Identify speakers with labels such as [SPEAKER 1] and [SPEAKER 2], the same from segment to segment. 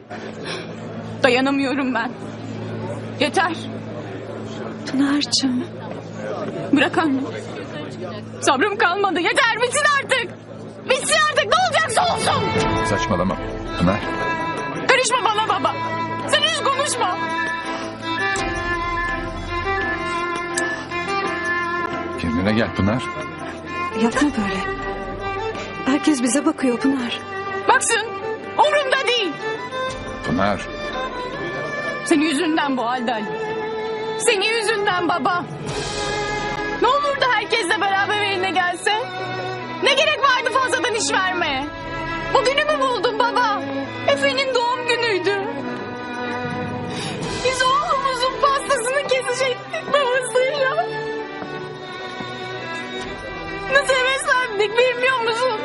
[SPEAKER 1] Dayanamıyorum ben. Yeter.
[SPEAKER 2] Pınar'cığım.
[SPEAKER 1] Bırak anne. Sabrım kalmadı. Yeter, bitsin artık. Bitsin artık, ne olacaksa olsun.
[SPEAKER 3] Saçmalama Pınar.
[SPEAKER 1] Karışma bana baba. Sen hiç konuşma.
[SPEAKER 3] Kendine gel Pınar.
[SPEAKER 2] Yapma böyle. Herkes bize bakıyor Pınar.
[SPEAKER 1] Baksın, umurumda değil.
[SPEAKER 3] Pınar.
[SPEAKER 1] Senin yüzünden bu halde Ali. Senin yüzünden baba. Ne olurdu herkesle beraber evine gelse? Ne gerek vardı fazladan iş vermeye? Bugünü mü buldun baba? Efe'nin doğum günüydü. Biz oğlumuzun pastasını kesecektik babasıyla. Nasıl heveslendik bilmiyor musun?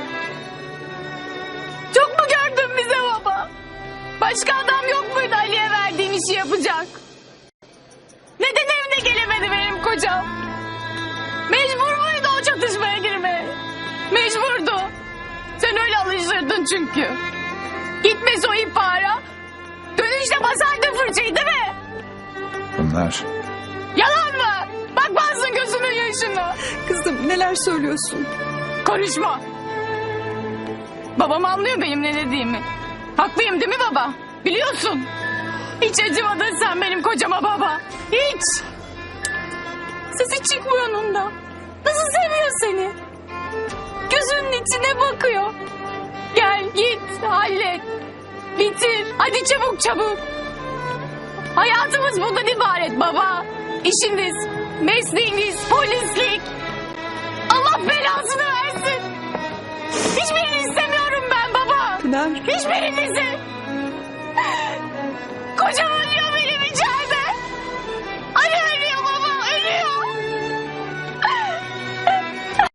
[SPEAKER 1] Çok mu gördün bize baba? Başka adam yok muydu Ali'ye verdiğin işi yapacak? Neden evine gelemedi benim kocam? Mecbur muydu o çatışmaya girmeye? Mecburdu. Sen öyle alıştırdın çünkü. Gitmez o ihbara. Dönüşte basardın fırçayı değil mi?
[SPEAKER 3] Pınar.
[SPEAKER 1] Yalan mı? Bakmazsın gözünün yaşına.
[SPEAKER 2] Kızım neler söylüyorsun?
[SPEAKER 1] Konuşma. Babam anlıyor benim ne dediğimi. Haklıyım değil mi baba? Biliyorsun. Hiç acımadın sen benim kocama baba. Hiç. Sesi çıkmıyor onun da. Nasıl seviyor seni? Gözünün içine bakıyor. Gel git hallet. Bitir. Hadi çabuk çabuk. Hayatımız bundan ibaret baba. İşiniz, mesleğiniz, polislik. Allah belasını versin. Hiçbirini istemiyorum ben baba.
[SPEAKER 2] Pınar.
[SPEAKER 1] Hiçbirinizi.